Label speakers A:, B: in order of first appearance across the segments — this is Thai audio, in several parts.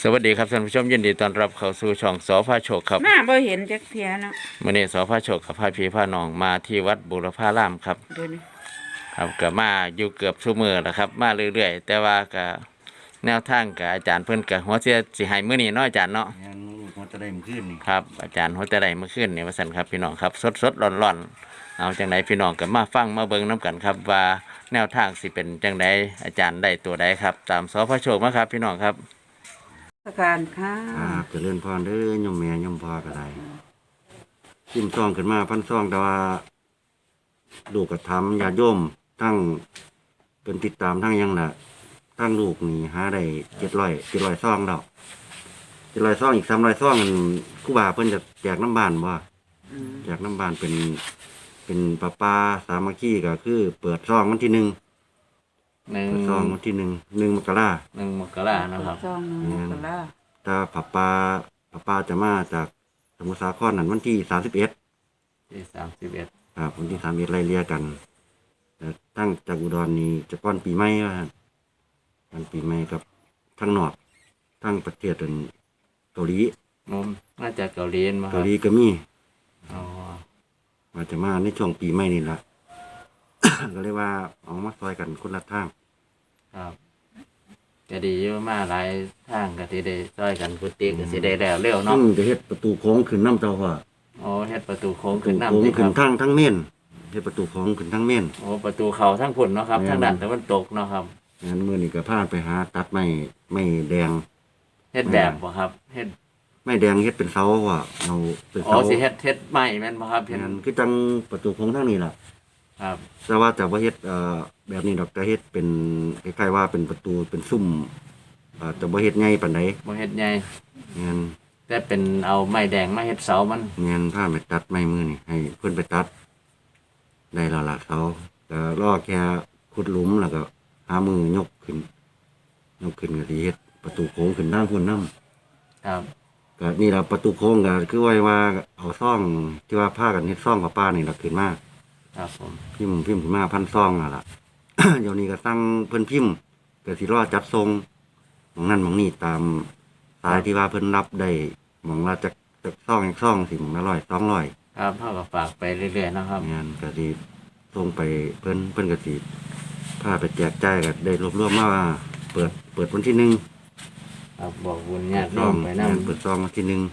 A: สวัสดีครับท่านผู้ชมยินดีต้อนรับเข้าสู่ช่องสพาโชคครับ
B: มาบ่เห็นจักเทียเนาะ
A: มื่อนี้สพาโชคกับพาพี่พาน้องมาที่วัดบุรพารามครับ
B: เดี๋ยวนี้
A: ครับก็มาอยู่เกือบชั่วมือแล้วครับมาเรื่อยๆแต่ว่าก็แนวทางกับอาจารย์เพิ่นกับหัวเสียสิให้มื้อนี้เนาะอาจารย์เนาะ
C: ยังมันจะได้มันขึ้นนี่
A: ครับอาจารย์หัวแต่ใดเมื่อคืนนี่ว่าซั่นครับพี่น้องครับสดๆร้อนๆเอาจังไดพี่น้องก็มาฟังมาเบิ่งนํกันครับว่าแนวทางสิเป็นจังไดอาจารย์ได้ตัวใดครับตามสพาโชคมาครับพี่น้องครับ
B: สการค่ะ
C: ครับจะเลื่อนพรเด้อยมแม่ยมพ่อก็ได้ชิมซองขึ้นมาพันซองแต่ว่าลูกกระทำญาติโยมทั้งเป็นติดตามทั้งยังน่ะทั้งลูกนี่หาได้700ซองดอก700ซองอีก300ซองครูบาเพิ่นจะแจกน้ำบานบ่แจกน้ำบานเป็นป้าสามัคคีก็คือเปิดซองวันที่1เปิดซองวันที่1 มกราคม
A: 1 มกราคมนะครับ
B: ซองหนึ่งกะลา
C: ถ้าป้าจะมาจากสมุทรสาครนั่นวันที่31
A: ที่31
C: ครับวันที่31ไล่เลี่ยกันแต่ทั้งจากอุดรนี่จะป้อนปีใหม่ว่าวันปีใหม่กับทั้งนอกทั้งประเทศเกาหลี
A: มาจากเกาหลีมา
C: เกาหลีก็มี
A: อ๋อ
C: ว่าจะมาในช่วงปีใหม่นี่ล่ะ ก็เลยว่าเอามาซอยกันคนละทาง
A: ครับก็ดีอยู่มาหลายทางก็สิได้ซอยกันกุฏิก็สิได้แล้วเร็วเนาะ
C: จะเฮ็ดประตูโค้งขึ้นน้ำเจ้าว่า
A: อ๋อเฮ็ดประตูโค้งขึ้นน้ำ
C: โค้ง
A: สิค
C: ขึ้
A: รั
C: น
A: บ
C: ทั้งเม่นเฮ็ดประตูโค้งขึ้นทั้งเม่น
A: โอ้ประตูเขาทั้งพุ่นเนาะครับทางด้านตะวันตกเนาะครับ
C: งั้นมื้อนี้ก็พาไปหาตัดไม้แดง
A: เฮ็ดแบบบ่ครับเฮ็ด
C: ไม้แดงเฮ็ดเป็นเสาว่าเอาเป็น
A: เสาอ๋อสิเฮ็ดไม้แม่นบ่ครับ
C: เฮ็ดคือจังประตูโค้งทั้งนี้ล่ะ
A: ครับ
C: แต่ว่าจะบ่เฮ็ดแบบนี้ดอกจะเฮ็ดเป็นคล้ายๆว่าเป็นประตูเป็นซุ้มจะบ่เฮ็ดใหญ่ปานใด
A: บ่เฮ็ดใหญ่
C: งั้น
A: แต่เป็นเอาไม้แดงมาเฮ็ดเสามัน
C: งั้นพาไปตัดไม้มือนี่ให้เพิ่นไปตัดได้แล้วล่ะเสาก็รอแค่ขุดหลุมแล้วก็หามือยกขึ้นก็สิเฮ็ดประตูโค้งขึ้นทางพุ่นนำ
A: ครับ
C: ก็นี่ล่ะประตูโค้งก็คือว่าเอาซ่องที่ว่าพากันเฮ็ดซ่องกับป้านี่ล่ะขึ้นมา
A: ครับผม
C: พิมพ์ขึ้นมาพันซองล่ะ เดี๋ยวนี้ก็ตั้งเพิ่นพิมพ์ก็สิรอจัดทรงหม่องนั้นหม่องนี้ตามสายที่ว่าเพิ่นรับได้หม่องละจักซองอีกซองสิหม่องละ100 200
A: ครับเฮาก็ฝากไปเรื่อยๆนะครับ
C: งานก็สิส่งไปเพิ่นก็สิพาไปแจกจ่ายก็ได้รวบๆมาว่าเปิดวันที่1
A: ครับบอกบุญญาติโยมไปนำ
C: เปิดซองวันที่1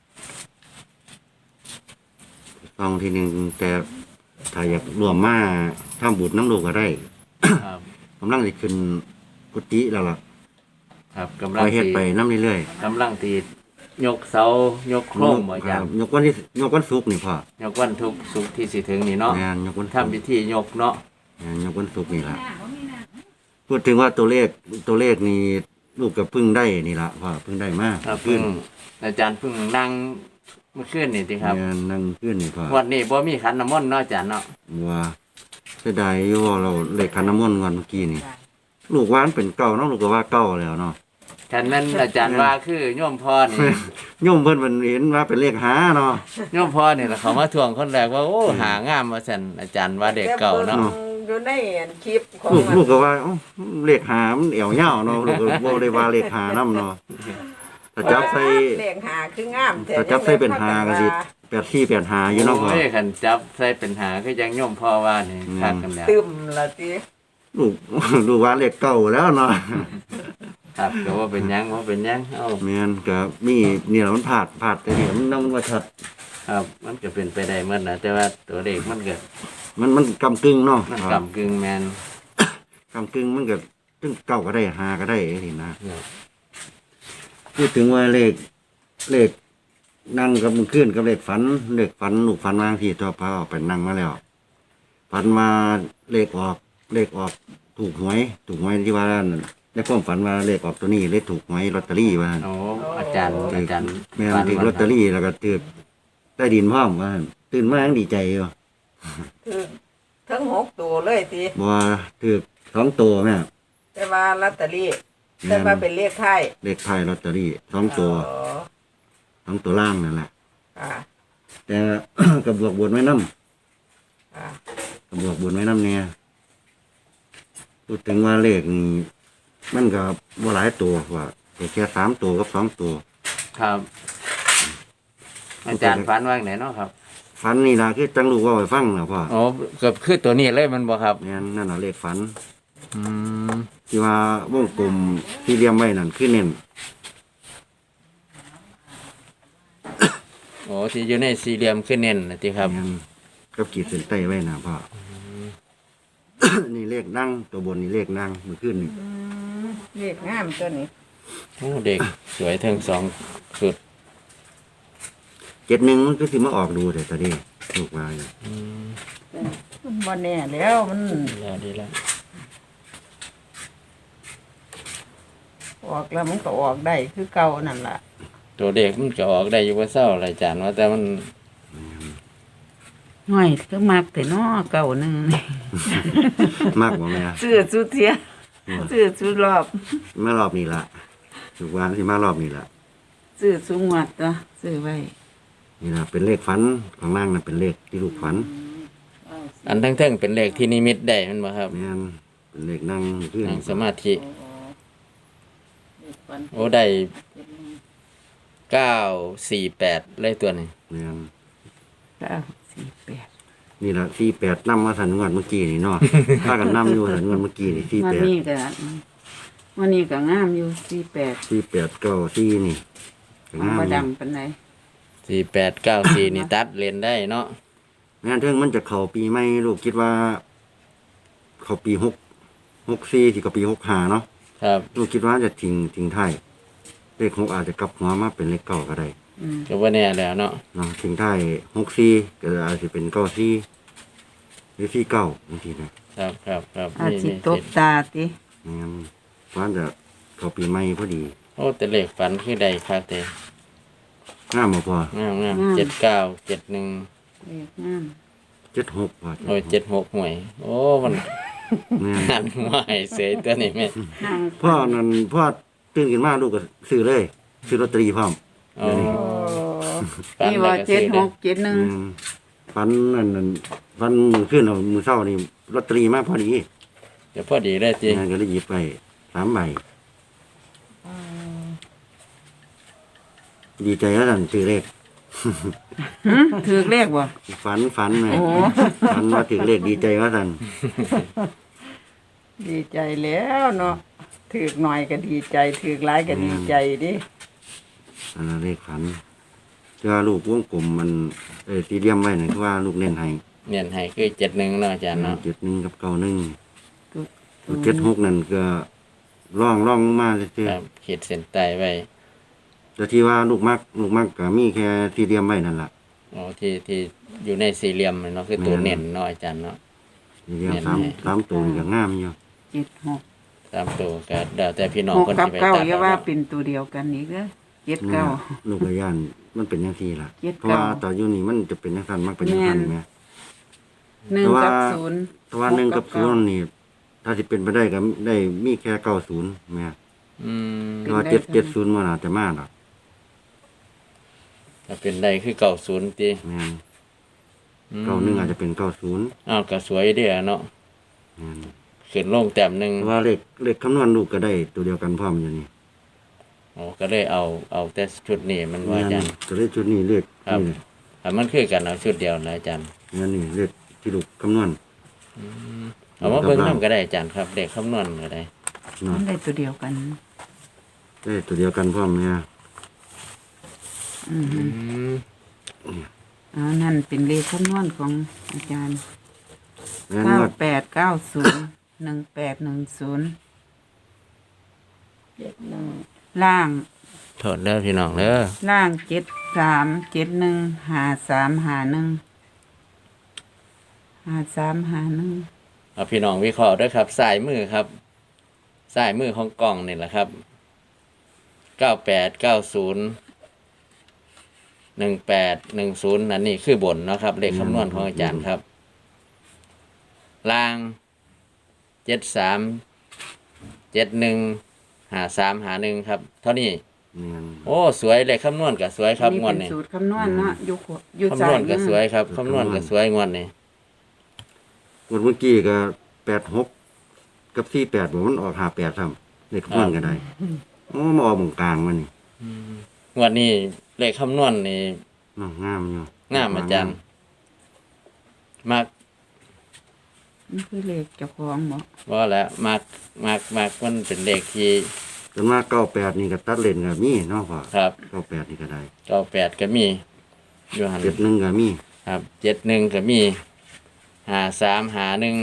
C: ซองที่1แต่ถ้าอยากรวมมาทำบุญน้ำลูกก็ได้
A: ครับ
C: กำลังสิขึ้นกุฏิแล้วล่ะ
A: ครับกำลัง
C: เฮ็ดไปน้ำเรื่อย
A: ๆกำลังสิยกเสายกโครงบ่อาจารย์
C: ยกวันศุกร์นี่พ่
A: อยกวันศุกร์ที่สิถึงนี่เนาะ
C: ยกวัน
A: ทำพิธียกเนาะ
C: ยกวันศุกร์นี่ล่ะพูดถึงว่าตัวเลขนี่ลูกก็เพิ่งได้นี่ล่ะพ่อเพิ่งได้มา
A: ขึ้นอาจารย์เพิ่งนั่งเมื่อคืนนี่ติครับ
C: นั่งขึ้นนี่พ่อ
A: วันนี้บ่มีขันน้ำมนต์เนาะอาจารย์เนาะ
C: ว่าเสียดายอยู่ว่าเราเลขขันน้ำมนต์วันเมื่อกี้นี่ลูกว่ามันเป็นเก่าเนาะลูกก็ว่าเก่าแล้วเนาะ
A: คันนั้นอาจารย์ว่าคือโยมพ่อนี่
C: โยมเพิ่นเห็นว่าเป็นเลขหาเนาะ
A: โยมพ่อนี่ล่ะเขามาทวงคนแรกว่าโอ้หางามว่าซั่นอาจารย์ว่าเด็กเก่าเนาะ
B: อยู่ในคลิปของ
C: ลูกก็ว่าเลขหามันเอวยาวเนาะลูกก็บ่ได้ว่าเลขหานำเนาะถ้าจับใส่
B: เลขหาคืองาม
C: ถ้าจับใส่เป็นหาก็สิ84 85อยู่เนาะพ่อ
A: โอ้ยคันจับใส่เป็นหาคือจังโยมพ่อว่านี่คักกันแล้ว
B: ตึมละติ
C: ลูกว่าเลขเก่าแล้วเนาะ
A: ครับก็ว่าเป็นยังเอ้า
C: แม่นก็มีนี่ล่ะมันพลาดแต่นี่มันนำว่าชัด
A: ครับมันก็เป็นไปได้หมดนะแต่ว่าตัวเลขมันก็
C: มันกำกึ่งเนาะ
A: มันกำกึ่งแม่น
C: กำกึ่งมันก็ถึงเก่าก็ได้หาก็ได้นี่นะพูดถึงว่าเลขนั่งกับมันขึ้นกับเลขฝันลูกฝันวางที่ตัวพาออกไปนั่งมาแล้วฝันมาเลขออกถูกหวยที่ว่าในความฝันว่าเลขออกตัวนี้เลขถูกหวยลอตเตอรี่ว่า
A: โอ้อาจารย์
C: แม่ถูกลอตเตอรี่แล้วก็ถูกใต้ดินพร้อมว่าตื่นมายังดีใจอยู่
B: ถูกทั้ง6ตัวเลยติ
C: บ่ถูก2ตัวแม่
B: แต่ว่าลอตเตอรี่แต่ว่าเป็นเลขไทย
C: ลอตเตอรี่2ตัว2ตัวล่างนั่นแหละแต่กับบวกบนไว้นำกับบวกบนไว้นำเนี่ยพูดถึงว่าเลขมันก็บ่หลายตัวว่าแต่แค่สามตัวกับสองตัว
A: ครับ อาจารย์ฝันว่าไหนเนาะครับ
C: ฝันนี่นะคือจังลูกว่าไปฟังนะพ่อ
A: อ๋อเกือบคือตัวนี้เลยมันบ่ครับ
C: เนี่ยนั่นน่ะเลขฝัน
A: อืม
C: ที่ว่าวงกลมที่เรียมไว้นั่นคือเน้น
A: โอ้ที่อยู่ในสี่เหลี่ยมคือเน้นนะที่ครับ
C: แม่นกับขีดเส้นใต้ไว้นะพ่อ นี่เลขนั่งตัวบนนี่เลขนั่งมือขึ้นนี่
B: เลขงามตัวนี้
A: โอ้เด็กสวยทั้งสองสุด
C: 71มันก็สิมาออกดูแต่ตอนนี้ลูกว่าอยู่
A: อืม
B: มันบ่แน่แล้วมัน
A: ดีแล้วดีแล้ว
B: ออกแล้วมันก็ออกได้คือเก่านั่นล่ะ
A: ตัวเด็กมันจะออกได้อยู่ว่าเศร้าอะไรอาจารย์ว่าแต่มัน
D: ห่วยก็มักแต่น้อเก่าหนึ่งนี่
C: มากบ่แม่
D: ซื้อสุดเทียซื้อสุดรอบ
C: มารอบนี้ละลูกว่าสิมารอบนี้ละ
D: ซื้อสุงวัดตัวซื้อไว้
C: นี่ล่ะเป็นเลขฝันของนางน่ะเป็นเลขที่ลูกฝัน
A: อันทั้งๆเป็นเลขที่นิมิตได้มันบ่ครับ
C: แม่นเป็นเลขนั่งขึ้น
A: นั่งสมาธิโอ้ได้948เลยตัวนี้
C: แม่น
D: 948
C: นี่ล่ะ48นำมาสันงวดเมื่อกี้นี่เนาะ ถ้ากันนำอยู่สันงวดเมื่อกี้นี่
D: วันนี้ก็วันนี้ก็งามอยู่48
C: 48 4894นี่ก็
D: ของ
C: งาม
D: บ่
C: อยู่
D: ดำปานใด
A: 4894นี่ตัดเลนได้เนาะ
C: งานเทิงมันจะเข้าปีใหม่ลูกคิดว่า เข้าปี64สิกับปี65เนาะ
A: ครับ
C: ลูกคิดว่าจะทิ้งท้ายเลข6อาจจะกลับหัวมาเป็นเลข9ก็ได้
D: อืม
A: ก็บ่แน่แล้วเนาะ
C: เนาะทิ้งท้าย64ก็อาจจะเป็น94หรือ49บางทีนะครับ
A: ครับ
D: อาจสิ
A: นี่
D: ตบตาติ
C: แม่นว่าจะเข้าปีใหม่พอดี
A: โอ้แต่เลขฝันคือใดคักแต่
C: งามบ่พอง
A: าม79 71
D: เลขงาม
C: 76ว่า
A: โอ้ย76หวยโอ้มัน
C: แม่น
A: หันหัวให้เสยตัวนี้แม่
D: นั่ง
C: พ่อนั่นพ่อตื่นขึ้นมาลูกก็ซื้อเลยซื้อลอตเตอรี่พร้อม
A: อ๋อ
B: โอ้
A: ฝัน
D: นี่
A: แล้ว
D: ว่า
A: ก็ซื้อได้
D: 7671
C: ฟันนั่นฟันมือขึ้นเอามือเศร้านี่ลอตเตอรี่มาพอดี
A: เดี๋ยวพอดีเลยจิ
C: งานก็เลยหยิบไป3 ใบดีใจแล้วนั่นซื้อเลข
D: ถือเลขบ่
C: ฝันไง
D: โอ้
C: ฝันว่าถือเลขดีใจว่าสั่น
B: ดีใจแล้วเนาะถือกหน่อยก็ดีใจถือกหลายก็ดีใจดิ
C: อันนั้นเลขฝันเจ้าลูกวงกลมมันสี่เหลี่ยมไว้นั่นคือว่าลูกเน้นให้
A: เนียนให้คือ71เนาะอาจารย์เนาะ
C: 71กับ91 76นั่นก็ร่องมาซื่อ
A: ครับขีดเส้นใต้ไว้
C: ๆแต่ที่ว่าลูกมักก็มีแค่สี่เหลี่ยมไว้นั่นล่ะ
A: อ๋อที่อยู่ในสี่เหลี่ยมเนาะคือตัวเน้นเนาะอาจารย์เนาะ
C: สี่เหลี่ยม
A: เน้น
C: สาม
A: ให้
C: สามตัวนี่ก็งามอยู่
D: 76
A: ตามตัวก็เดี๋ยวแต่พี่น้อง
D: 6
A: คน
D: กับ
A: ที่ไป
D: 9
A: ตัด
D: อย่า
A: เอา
D: ว่า
A: เนาะ
D: เป็นตัวเดียวกันอีกเด้อ
C: นี่
D: 79
C: ล่ะลูกกระย่านมันเป็นอย่างที่ล่ะ
D: 79
C: เพราะว่าตอนอยู่นี่มันจะเป็นอย่างนั้นมักเป็นอย่างนั้น
D: แม่น
C: แหม
D: 1กับ0
C: แต่ว่า1กับ0นี่ ถ้าสิเป็นไปได้ก็ได้มีแค่90แม่
A: อืม
C: แต่ว่า
D: เป็นได้
C: 770มันอาจจะมาดอก
A: ถ้าเป็นได้คือ90ติ
C: แม่น
A: อืม
C: 91อาจจะเป็น90
A: อ้าวก็สวยเด้อเนาะ
C: แม่น
A: ขึ้นลงแต้มหนึง
C: แต่ว่าเลขคำนวณลูกก็ได้ตัวเดียวกันพร้อมอยู่นี่
A: อ๋อก็เลยเอาแต่ชุดนี้มันว่าอาจารย์
C: ก็เลยชุดนี้เลข
A: ครับ
C: นี่
A: ถ้ามันคือกันเอาชุดเดียวนะอาจารย์
C: งั้นนี่เลขที่ลูกคำนวณ
A: เอามาเบิ่งนำก็ได้อาจารย์ครับเด็กคำนวณก็ได้
C: เนาะ
D: มันได้ตัวเดียวกัน
C: ได้ตัวเดียวกันพร้อมเนี่ย
D: อืมนั่นเป็นเลขคำนวณของอาจารย์
C: งั้นว่า
D: 9890 1810
B: 71
D: ล่าง
A: โทษเด้อพี่น้องเด้อ
D: ล่าง73715351 5351
A: เอาพี่น้องวิเคราะห์ด้วยครับสายมือครับสายมือของกล่องนี่แหละครับ9890 1810นั่นนี่คือบนเนาะครับเลขคำนวณของอาจารย์ครับล่าง73 715351ครับเท่านี้
C: เนี่ย
A: โอ้สวยเลขคำนวณก็สวยครับ
D: นี่
A: งวด
D: เป็น
A: นี้
D: สูตรคำนวณเนาะอยู่
A: คำน
D: ซ้า
A: วย ณก็สวยครับคำนวณก็สวยงวดนี้
C: งวดเมื่อกี้ก็86กับ48บ่มันออก58ซ้ำเลขคำนวณก็ได้โอ้มาออกหมองกลางมันนี่
A: งวดนี้เลขคำนวณนี่
C: เนาะงามอยู่
A: งามอาจารย์มาก
D: มันคือเลขเจ้าของบ่
A: ว่าแล้วมากมันเป็นเลขที่
C: จนมา98นี่ก็ตัดเลนก็มีเนาะพ่อ
A: ครับ
C: 98นี่ก็ได้
A: 98ก็มีอยู่หัน
C: 71ก็มี
A: ครับ71ก็มี53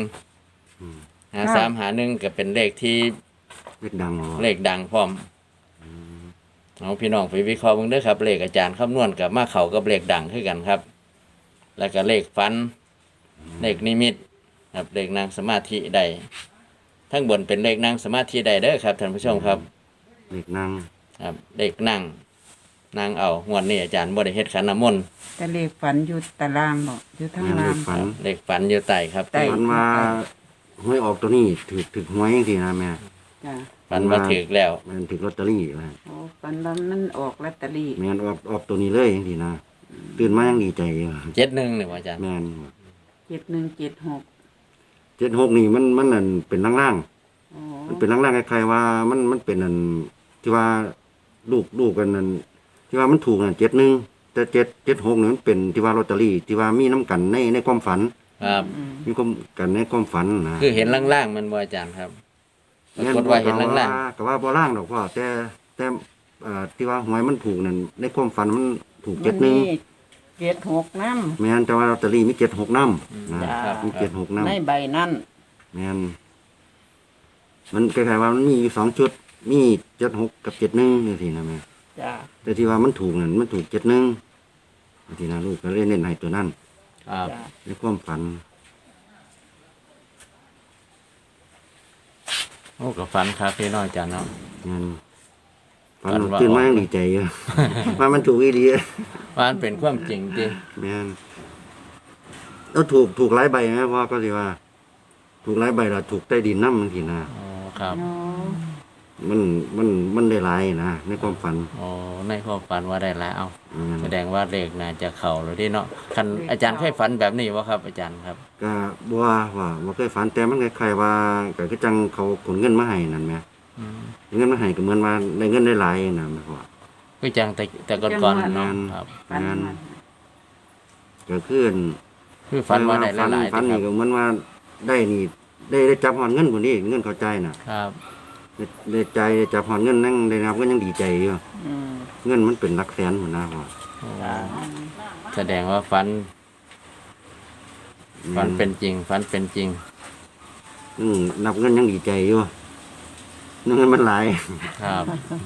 A: 51ก็เป็นเลขที่
C: เลขดังบ่
A: เลขดังพร้อมเอาพี่น้องไปวิเคราะห์เบิ่งเด้อครับ เลขอาจารย์คำนวณกับมาเข้ากับเลขดังคือกันครับ แล้วก็เลขฝัน เลขนิมิตครับเลขนั่งสมาธิใดทั้งบนเป็นเลขนั่งสมาธิใดเด้อครับท่านผู้ชมครับ
C: เลขนั่ง
A: ครับเลขนั่งเอางวดนี้อาจารย์บ่ได้เฮ็ดขันน้ำมนต์
D: แต่เลขฝันอยู่ตารางบ่อยู่ทาง
C: แม่นเล
D: ล่าง
C: ขฝัน
A: เลขฝันอยู่ใต้ครับ
D: ใต้
C: ฝันว่าหวยออกตัวนี้ถึกหวยจังซี่นะแม่
D: จ้ะ
A: ฝันว่าถึกแล้ว
C: แม่นถึกลอตเตอรี่ว่า
D: โอ้ฝันว่ามันออกลอตเตอรี่
C: แม่นออกตัวนี้เลยจังซี่นะตื่นมายังดีใจอยู่
A: 71นี่ว่าอาจารย์
C: แม่น
D: 7176
C: 76นี่มันนั่นเป็นล่าง
D: โอ้
C: ๆมันเป็นล่างๆคล้ายๆว่ามันเป็นอันที่ว่าลูกกันนั่นที่ว่ามันถูกนั่น71แต่776นี่มันเป็นที่ว่าลอตเตอรี่ที่ว่ามีน้ำกันในความฝัน
A: ครับ
C: มีความกันในความฝันนะ
A: คือเห็นล่างๆมันบ่อาจารย์ครับปรากฏว่าเห็นล่าง
C: ก็ว่าบ่ล่างดอกพ่อแต่ที่ว่าหวยมันถูกนั่นในความฝันมันถูก
B: มันมี
C: 71
B: 76น้
C: แม่นแต่ว่าลอตเตอรี่มี76นำนะ
B: จ้า
C: มี76นำ
B: ำในใบนั้น
C: แม่นมันคล้ายๆว่ามันมีอยู่2ชุด มี76กับ71จังซี่นะแม่
B: จ้า
C: แต่ที่ว่ามันถูกนั่นมันถูก71จังซี่นะลูกก็เลยเน้นให้ตัวนั้น
A: ๆครับ
B: จ้า
C: ในความฝัน
A: โอ้ก็ฝันครับพี่น้องอาจารย์เนาะ
C: แม่นฝัน
A: ฝันว่า
C: ตื่นมายังดีใจอยู่ ว่ามันถูกอีหลี
A: ว่ามันเป็นความจริงจริง
C: แม่นแล้วถูกหลายใบไหมพ่อก็สิว่า ถูกหลายใบแล้วถูกใต้ดินนำจังซี่นะ
A: อ๋อครับ
D: โอ้
C: มันได้หลายนะในความฝัน
A: อ๋อในความฝันว่าได้แล้วเอา
C: อืม
A: แสดงว่าเลขน่าจะเข้าแล้วเดิเนาะคันอาจารย์เคยฝันแบบนี้บ่ครับ อาจารย์ครับ
C: ก็บ่ว่าบ่เคยฝันแต่มันคล้ายๆว่าก็คือจังเขาขนเงินมาให้นั่นแหม
A: อืม
C: เงินมาให้ก็เหมือนว่าได้เงินได้หลายนะแม่พ่อ
A: คือจังแต่ก่อนๆเนาะครับ
D: ฝันว่า
C: ก็คือ
A: คือฝันว่าได้หลายๆ
C: ฝัน
A: ครั
C: นี่
A: บ
C: ก็เหมือนว่าได้นี่ได้จับหอนเงินพุ่นนี่เงินเข้าใจน่ะ
A: ครับ
C: ได้ใจได้จับหอนเงินนั่งได้นับก็ยังดีใจอยู่
B: อืม
C: เงินมันเป็นหลักแสนพุ่นนะพ่อ
B: จ้า
A: แสดงว่าฝันเป็นจริงฝันเป็นจริง
C: นับเงินยังดีใจอยู่เงินมันหลาย
A: ครับ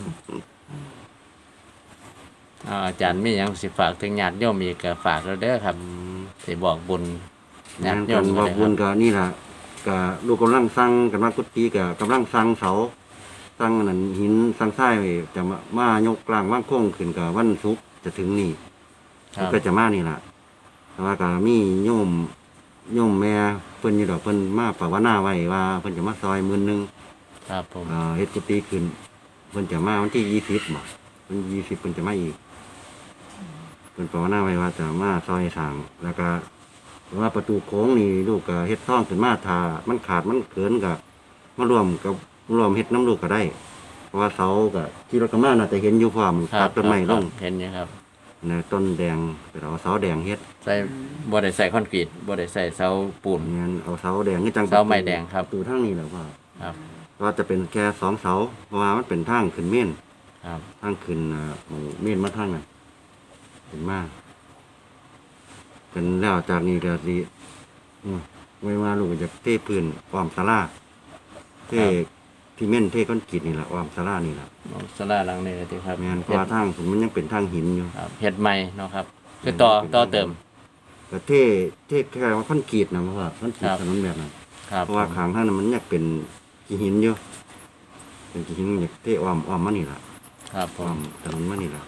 A: อาจารย์มีหยังสิฝากถึงญาติโยมอีกก็ฝากแล้วเด้อครับสิบอกบุญญาติโย
C: กั
A: ม
C: น
A: ก็
C: ว่า
A: ได้ค
C: บุ
A: รั
C: ญ
A: บ
C: ก็นี่ล่ะก็ลูกกำลังสร้างกันว่ากุฏิก็กำลังสร้างเสาสร้างอันนั้นหินสร้างทรายไว้จะมายกกลางว่างโค้งขึ้นกับวันศุกร์จะถึงนี่
A: ครับ
C: ก็จะมานี่ล่ะแต่ว่าก็มีโยมแม่เพิ่นอยู่ดอกเพิ่นมาภาวนาไว้ว่าเพิ่นจะมาซอย10,000
A: ครับผม
C: เฮ็ดกุฏิขึ้นเพิ่นจะมาวันที่20บ่เพิ่น20เพิ่นจะมาอีกเพิ่นภาวนาไว้ว่าจะมาซอยสร้างแล้วก็ว่าประตูโค้งนี่ลูกก็เฮ็ดซ่องขึ้นมาถ้ามันขาดมันเกินก็มารวมเฮ็ดน้ำลูกก็ได้ เพราะว่าเสาก็ที่รถกำลังน่าจะเห็นอยู่พร้อม
A: ครั
C: ตั
A: บ
C: ดต้นไม้ลง
A: เห็นอยู่ครับ
C: นะต้นแดงไปเอาเสาแดงเฮ็ด
A: ใส่บ่ได้ใส่คอนกรีตบ่ได้ใส่เสาปูน
C: เงี้ยเอาเสาแดงนี่จัง
A: เสาไม้แดงครับ
C: ประตูทางนี้แหละว่า
A: ครับ
C: ว่าจะเป็นแค่2เสาเพราะว่ามันเป็นทางขึ้นเม่น
A: ครับ
C: ทางขึ้นหมู่เม่นมาทางนั้นขึ้นมาเป็นแล้วจากนี้ก็สิไว้ว่าลูกก็จะเทพื้นอ้อมศาลาเทที่เม่นเทคอนกรีตนี่แหละอ้อมศาลานี่แหละ
A: ศาลาหลังนี้ติครับ
C: แม่นเพราะว่าทางผมมันยังเป็นทางหินอยู่
A: ครับเฮ็ดใหม่เนาะครับคือต่อเติม
C: ก็เทแค่ว่าคอนกรีตนะเพราะว่าคอนกรีต
A: ครับ
C: ถนนแบบนั้น
A: ครับ
C: เพราะว่าข้างทางนั้นมันอยากเป็นขี้หินอยู่เป็นขี้หินอยากเทอ้อมมานี่ล่ะ
A: ครับผ
C: อ้อ
A: ม
C: มถนนมานี่ล่ะ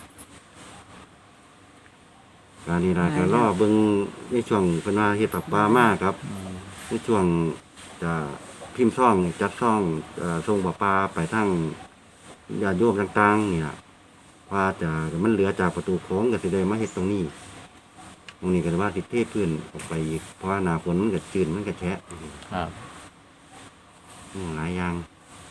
C: การนี้ล่ะก็รอเบิ่งในช่วงเพิ่นว่าเฮ็ดปรับปลามาครับในช่วงจะพิมพ์ซ่องจัดซ่องส่งปลาปลาไปทางญาติโยมต่างๆนี่ล่ะว่าจะมันเหลือจากประตูโค้งก็สิได้มาเฮ็ดตรงนี้ตรงนี้ก็ว่าสิเทพื้นออกไปอีกเพราะว่าหน้าฝนมันก็จืดมันก็แฉะ
A: ครับ
C: หลายอย่าง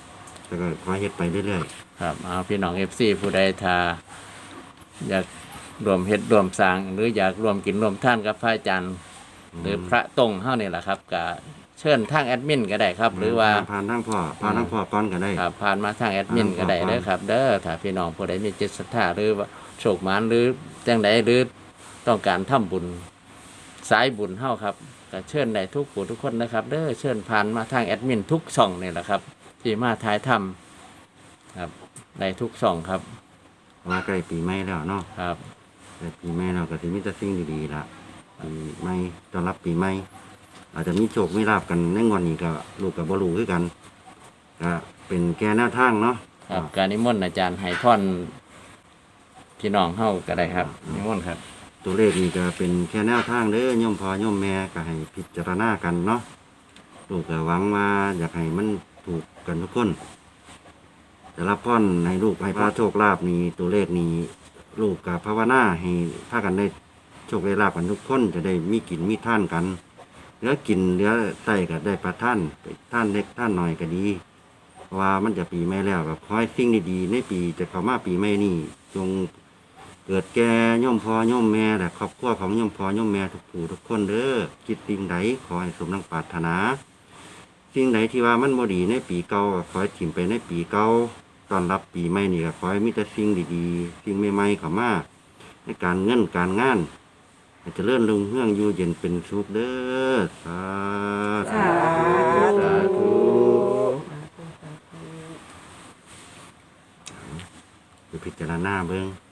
C: แต่ก็ขอเฮ็ดไปเรื่อย
A: ครับเอาพี่น้อง FC ผู้ใดถ้าอยากรวมเฮ็ดรวมสร้าง หรืออยากรวมกินรวมท่านกับพระอาจารย์ หรือพระตรงเฮานี่แหละครับก็เชิญทางแอดมินก็ได้ครับ
C: ๆ
A: หรือว่า
C: ผ่านทางพ่อผ่านทางพ่อก่อนก็ได้
A: ครับผ่านมาทางแอดมินก็ได้เด้อครับ เด้อถ้าพี่น้องผู้ใดมีจิตศรัทธาหรือว่าโชคหมานหรือจังใดหรือต้องการทำบุญสายบุญเฮาครับก็เชิญได้ทุกผู้ทุกคนนะครับ เด้อเชิญผ่านมาทางแอดมินทุกช่องนี่แหละครับ ที่มาถ่ายทำครับได้ทุกช่องครับ
C: ว่าใกล้ปีใหม่แล้วเนาะ
A: ครับ
C: ใกล้ปีใหม่แล้วก็สิมีแต่สิ่งดีๆล่ะปีใหม่ต้อนรับปีใหม่อาจจะมีโชคมีลาบกันในงวดนี้ก็ลูกก็บ่รู้คือกันก็เป็นแค่แนวทางเนาะ
A: ครับการนิมนต์อาจารย์ให้พรพี่น้องเฮาก็ได้ครับนิมนต์ครับ
C: ตัวเลขนี่ก็เป็นแค่แนวทางเด้อโยมพ่อโยมแม่ก็ให้พิจารณากันเนาะลูกก็หวังว่าอยากให้มันถูกกันทุกคนแต่รับพรให้ลูกให้พระโชคลาภนี่ตัวเลขนี่ลูกกับภาวนาให้พากันได้โชคได้ลาภกันทุกคนจะได้มีกินมีท่านกันเหลือกินเหลือใส่ก็ได้ประท่านท่านเล็กท่านน้อยก็ดีเพราะว่ามันจะปีใหม่แล้วก็ขอให้สิ่งดีๆในปีจะเข้ามาปีใหม่นี่จงเกิดแก่โยมพ่อโยมแม่และครอบครัวของโยมพ่อโยมแม่ทุกผู้ทุกคนเด้อคิดสิ่งใดขอให้สมดังปรารถนาสิ่งใดที่ว่ามันบ่ดีในปีเก่าก็ขอให้ถิ่มไปในปีเก่าต้อนรับปีใหม่นี่ก็ขอให้มีแต่สิ่งดีๆสิ่งใหม่ๆเข้ามาในการเงินการงานให้เจริญรุ่งเรืองอยู่เย็นเป็นสุขเด้อสาธุสาธุไปพิจารณาเบิ่ง